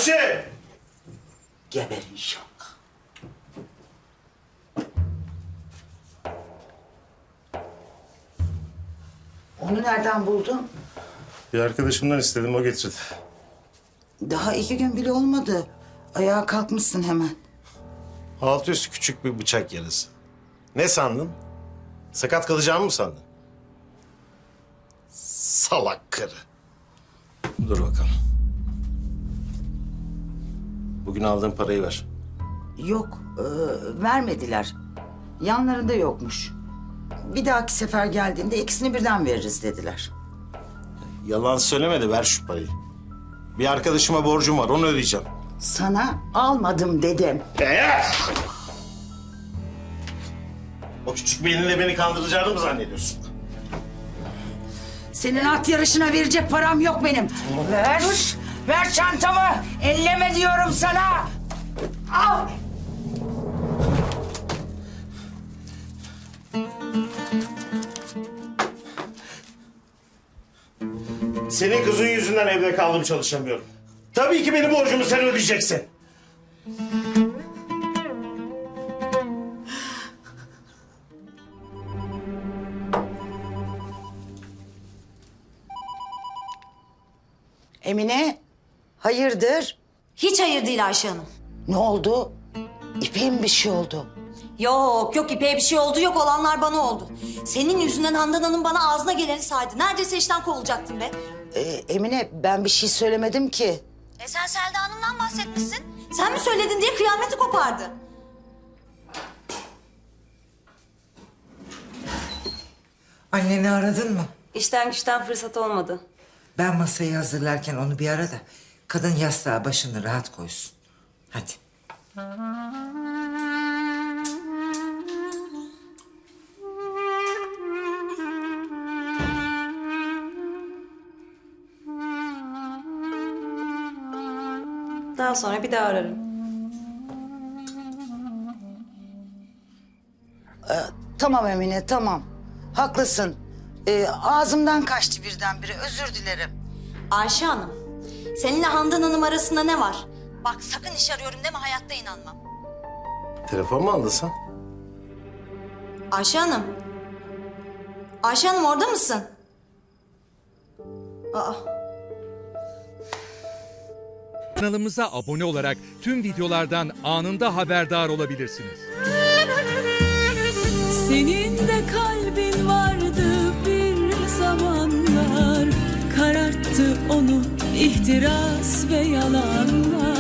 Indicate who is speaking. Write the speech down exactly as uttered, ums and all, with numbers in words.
Speaker 1: Ayşe!
Speaker 2: Geber inşallah. Onu nereden buldun?
Speaker 1: Bir arkadaşımdan istedim, o getirdi.
Speaker 2: Daha iki gün bile olmadı. Ayağa kalkmışsın hemen.
Speaker 1: Altı üstü küçük bir bıçak yarası. Ne sandın? Sakat kalacağımı mı sandın? Salak karı. Dur bakalım. Bugün aldığın parayı ver.
Speaker 2: Yok, e, vermediler. Yanlarında yokmuş. Bir dahaki sefer geldiğinde ikisini birden veririz dediler.
Speaker 1: Yalan söyleme de ver şu parayı. Bir arkadaşıma borcum var, onu ödeyeceğim.
Speaker 2: Sana almadım dedim.
Speaker 1: Ee? O küçük beyninle beni kandıracağını mı zannediyorsun?
Speaker 2: Senin at yarışına verecek param yok benim. Ver, ver çantamı. Elleme diyorum sana. Al.
Speaker 1: Senin kızın yüzünden evde kaldım, çalışamıyorum. Tabii ki benim borcumu sen ödeyeceksin.
Speaker 2: Emine, hayırdır?
Speaker 3: Hiç hayır değil Ayşe Hanım.
Speaker 2: Ne oldu? İpek'in bir şey oldu.
Speaker 3: Yok yok İpek'e bir şey oldu yok olanlar bana oldu. Senin yüzünden Handan Hanım bana ağzına geleni saydı. Neredeyse işten kovulacaktım be.
Speaker 2: Ee, Emine, ben bir şey söylemedim ki.
Speaker 3: E sen Selda Hanım'dan bahsetmişsin. Sen mi söyledin diye kıyameti kopardı.
Speaker 4: Anneni aradın mı?
Speaker 3: İşten güçten fırsat olmadı.
Speaker 4: Ben masayı hazırlarken onu bir ara da kadın yastığa başını rahat koysun. Hadi.
Speaker 3: Daha sonra bir daha ararım.
Speaker 2: Tamam Emine, tamam. Haklısın. Ee, ağzımdan kaçtı birdenbire, özür dilerim.
Speaker 3: Ayşe Hanım, seninle Handan Hanım arasında ne var? Bak sakın iş arıyorum deme hayatta inanmam.
Speaker 1: Telefon mu aldın sen?
Speaker 3: Ayşe Hanım. Ayşe Hanım orada mısın? Aa.
Speaker 5: Kanalımıza abone olarak tüm videolardan anında haberdar olabilirsiniz.
Speaker 6: Senin de kalbin vardı bir zamanlar, kararttı onu ihtiras ve yalanlar.